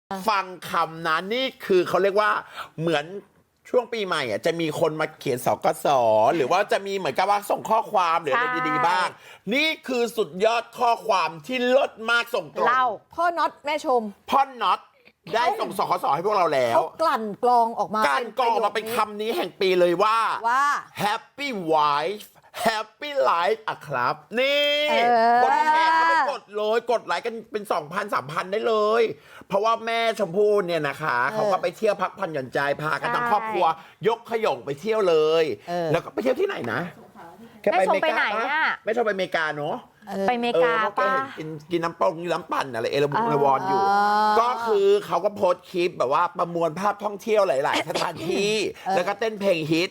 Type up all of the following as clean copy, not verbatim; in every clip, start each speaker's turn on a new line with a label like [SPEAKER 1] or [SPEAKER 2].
[SPEAKER 1] ฟังคำนั้นนี่คือเขาเรียกว่าเหมือนช่วงปีใหม่อ่ะจะมีคนมาเขียนสกสหรือว่าจะมีเหมือนกับว่าส่งข้อความหรืออะไรดีๆบ้าง นี่คือสุดยอดข้อความที่เลิศมากส่งตรง
[SPEAKER 2] เล่า
[SPEAKER 3] พ่อน็อตแม่ชม
[SPEAKER 1] พ่อน็อตได้ส่งสคสให้พวกเราแล้ว
[SPEAKER 3] เขากลั่นกรองออกมา
[SPEAKER 1] การกรองออกมาเป็นคำนี้แห่งปีเลยว่า Happy Wife Happy Life อะครับ นี่คนแชร์เข้าไปกดเลยกดไลค์กันเป็น 2,000 3,000 ได้เลย เพราะว่าแม่ชมพู่เนี่ยนะคะเขาก็ไปเที่ยวพักผ่อนหย่อนใจพากันทั้งครอบครัวยกขยงไปเที่ยวเลย แล้วก็ไปเที่ยวที่ไหนนะแค่ไปอเมริกาปะไม่ชอบไปอเมริกาเนาะ
[SPEAKER 2] ไปอเมริกาป่ะ
[SPEAKER 1] กินน้ำปั่นอะไรเอลวอนอยู่ ก็คือเขาก็โพสต์คลิปแบบว่าประมวลภาพท่องเที่ยวหลาย ๆ สถานที่ แล้วก็เต้นเพลงฮิต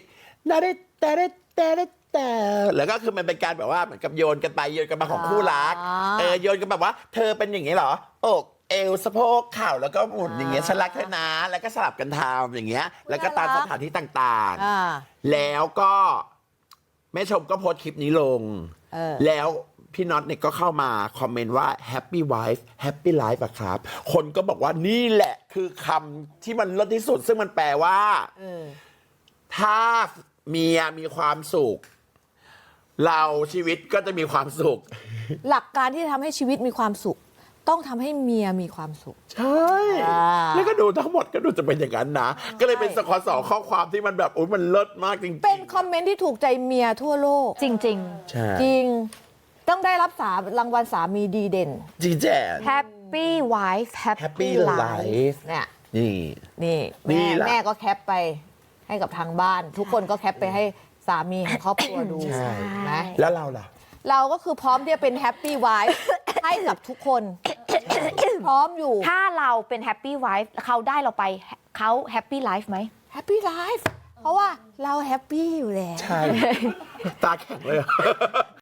[SPEAKER 1] แต่แล้วก็คือมันเป็นการแบบว่าเหมือนกับโยนกันไปโยนกันมาของคู่รักโยนกันแบบว่าเธอเป็นอย่างนี้เหรออกเอวสะโพกเข่าแล้วก็หมุนอย่างเงี้ยฉันรักเธอนะแล้วก็สลับกันทำอย่างเงี้ยแล้วก็ตามสถานที่ต่างๆแล้วก็แม่ชมก็โพสต์คลิปนี้ลงแล้วพี่น็อตเนี่ยก็เข้ามาคอมเมนต์ว่า Happy Wife Happy Life อะครับคนก็บอกว่านี่แหละคือคำที่มันเลิศที่สุดซึ่งมันแปลว่าถ้าเมียมีความสุขเราชีวิตก็จะมีความสุข
[SPEAKER 3] หลักการที่จะทำให้ชีวิตมีความสุข ต้องทำให้เมียมีความสุข
[SPEAKER 1] ใช่แล้วก็ดูทั้งหมดก็ดูจะเป็นอย่างนั้นนะก็เลยเป็นสคสข้อความที่มันแบบโอ้ยมันเลิศมากจริงๆ
[SPEAKER 3] เป็นคอมเมนต์ที่ถูกใจเมียทั่วโลก
[SPEAKER 2] จริง
[SPEAKER 1] ใช่
[SPEAKER 3] จริง ต้องได้รับรางวัลสามีดีเด่น
[SPEAKER 1] จริงแจ้
[SPEAKER 2] ๆ Happy Wife Happy
[SPEAKER 1] Happy
[SPEAKER 2] Life
[SPEAKER 1] Life
[SPEAKER 3] เนี่ย
[SPEAKER 1] นี่
[SPEAKER 3] นี่
[SPEAKER 1] นี่
[SPEAKER 3] แม่
[SPEAKER 1] แหละ
[SPEAKER 3] แม่ก็แคปไปให้กับทางบ้าน ทุกคนก็แคปไปให้สามีของครอบครัวดู
[SPEAKER 1] ใช่
[SPEAKER 3] นะ
[SPEAKER 1] แล้วเราล่ะ
[SPEAKER 3] เราก็คือพร้อมที่จะเป็นแฮปปี้ไวฟ์ให้กับทุกคน พร้อมอยู่
[SPEAKER 2] ถ้าเราเป็น Happy Wife เขาได้เราไปเขา Happy Life ไหม
[SPEAKER 3] แฮปปี้ไลฟ์เพราะว่าเราแฮปปี้อยู่แล้ว
[SPEAKER 1] ใช่ ตาแข็งเลย